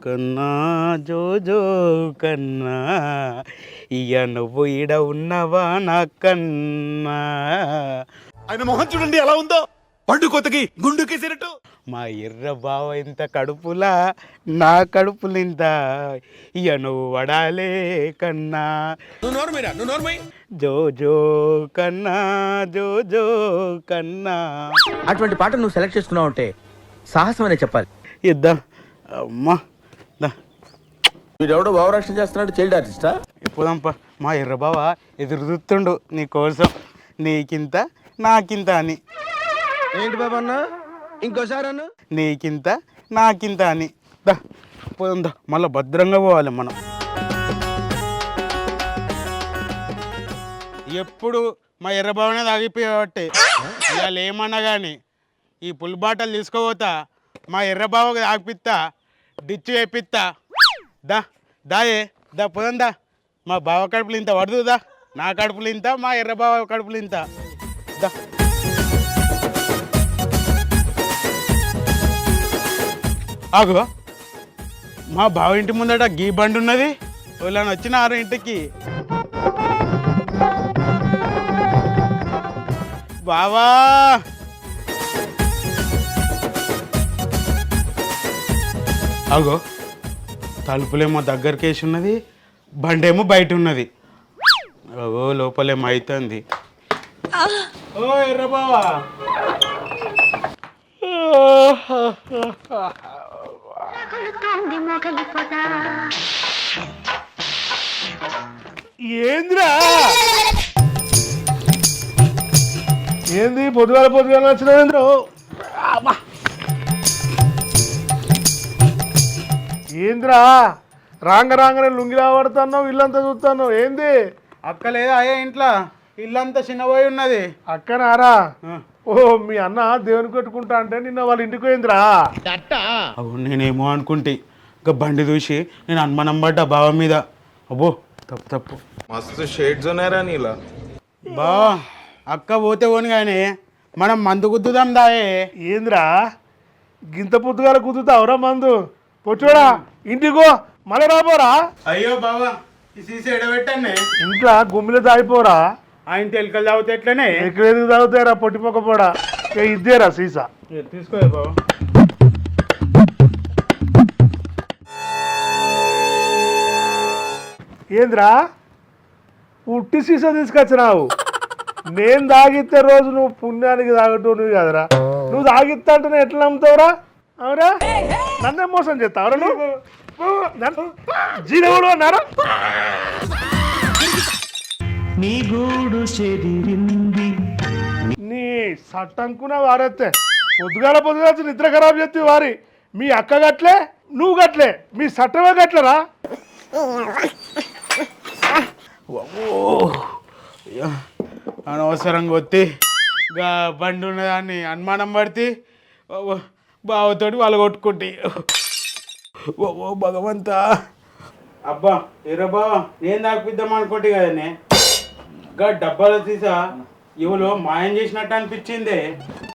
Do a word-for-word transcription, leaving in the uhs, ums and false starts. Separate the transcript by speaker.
Speaker 1: కన్నా జోజో కన్నా ఇయ నువ్వు ఈడ ఉన్నవా నా కన్నా.
Speaker 2: ఆయన మొహం చూడండి ఎలా ఉందో, పండు కొత్తకి గుండు కేసినట్టు.
Speaker 1: మా ఎర్ర బావ ఇంత కడుపులా నా కడుపులు ఇంత ఇయ నువ్వు వడాలే కన్నా.
Speaker 2: నువ్వు నోర్మైరా, నువ్వు నోర్మై.
Speaker 1: జోజో కన్నా జోజో కన్నా.
Speaker 3: అటువంటి పాట నువ్వు సెలెక్ట్ చేసుకున్నావు అంటే సాహసం అనే చెప్పాలి.
Speaker 1: ఇద్దాం అమ్మా దా.
Speaker 3: వీడెవడో భావరక్షణ చేస్తున్నాడు, చైల్డ్ ఆర్టిస్టా?
Speaker 1: ఎప్పుదంప మా ఎర్ర బావ ఎదురు చూస్తుండు నీ కోసం, నీకింత నాకింత అని.
Speaker 3: ఏంటి బాబా అన్న, ఇంకోసారి అన్న.
Speaker 1: నీకింత నాకింత అని. దా పోదాం దా, మళ్ళీ భద్రంగా పోవాలి మనం. ఎప్పుడు మా ఎర్రబావనే తాగిపోయేవాటే ఇవాళ ఏమన్నా కానీ ఈ పుల్ బాటలు తీసుకోపోతా, మా ఎర్రబావకు తాగిపిస్తా, డిచ్చు వేపిస్తా. దా దాయే దా పోదాం దా. మా బావ కడుపులు ఇంత పడుతుందా, నా కడుపులు ఇంత, మా ఎర్రబావ కడుపులు ఇంత. దా ఆగు, మా బావ ఇంటి ముందట గీ బండి ఉన్నది, వాళ్ళని వచ్చినారు ఇంటికి. బావా అగో తలుపులేమో దగ్గరికి వేసి ఉన్నది, బండేమో బయట ఉన్నది. అగో లోపలేమో అవుతుంది. ఓ ఎర్ర బావా,
Speaker 4: ఏంద్రా ఏంది పొద్దుగాల పొద్దుగాల వచ్చిన ఏంద్రా రాంగ రాంగనే లుంగి రాబడుతున్నావు, ఇల్లంతా చూస్తున్నావు ఏంది?
Speaker 1: అక్క లేదా అయ్యా ఇంట్లో, ఇల్లంతా చిన్నపోయి ఉన్నది.
Speaker 4: అక్కనారా? ఓ మీ అన్న దేవుని కొట్టుకుంటా అంటే నిన్న వాళ్ళ ఇంటికి పోయిందిరా.
Speaker 1: అవును నేనేమో అనుకుంటే ఇంకా బండి చూసి నేను అనుమానం పడ్డా బావ మీద. అబ్బో తప్పు తప్పు.
Speaker 2: మస్తు షేడ్స్ ఉన్నారా నీలా.
Speaker 1: బావా అక్క పోతే పోను కానీ మనం మందు గుద్దుదాం దాయే.
Speaker 4: ఏంద్రా గింత పొద్దుగాల కుదుతావురా మందు? పొచ్చోడా ఇంటికో మళ్ళీ రాపోరా.
Speaker 1: అయ్యో బావా ఈ సీసీ ఎడబెట్టానే,
Speaker 4: ఇంట్లో గుమ్మిలో తాగిపోరా.
Speaker 1: ఆయన తెలకలు తాగితే ఎట్లనే
Speaker 4: ఎక్కడ ఎందుకు తాగుతారా పొట్టిపోక పోడా. ఇద్దేరా సీసా
Speaker 1: తీసుకో బావా.
Speaker 4: ఏంద్రా ఉట్టి సీసా తీసుకొచ్చినావు? నేను తాగితే రోజు నువ్వు పుణ్యానికి తాగటం నువ్వు కదరా. నువ్వు తాగిస్తా అంటే ఎట్లా నమ్ముతావురా? అవురా నన్నే మోసం చేస్తావురా నువ్వు? జీనవుడు అన్నారా? నీ గూడు చెదిరింది నీ సట్టంకున వారెత్తే పొద్దుగాల పొద్దుగా నిద్ర ఖరాబ్ చేస్తే వారి. మీ అక్క గట్లే నువ్వు గట్లే, మీ సట్టమే గట్లరా.
Speaker 1: అనవసరంగా వచ్చి గా బండి ఉన్నదాన్ని అనుమానం పడితే బావతోటి వాళ్ళు కొట్టుకుంటే. ఓ ఓ భగవంతా. అబ్బా ఎర్ర బావా నేను తాగిపిద్దాం అనుకుంటే కదనే, గా డబ్బాలు తీసా ఇవులో మాయం చేసినట్టు అనిపించింది.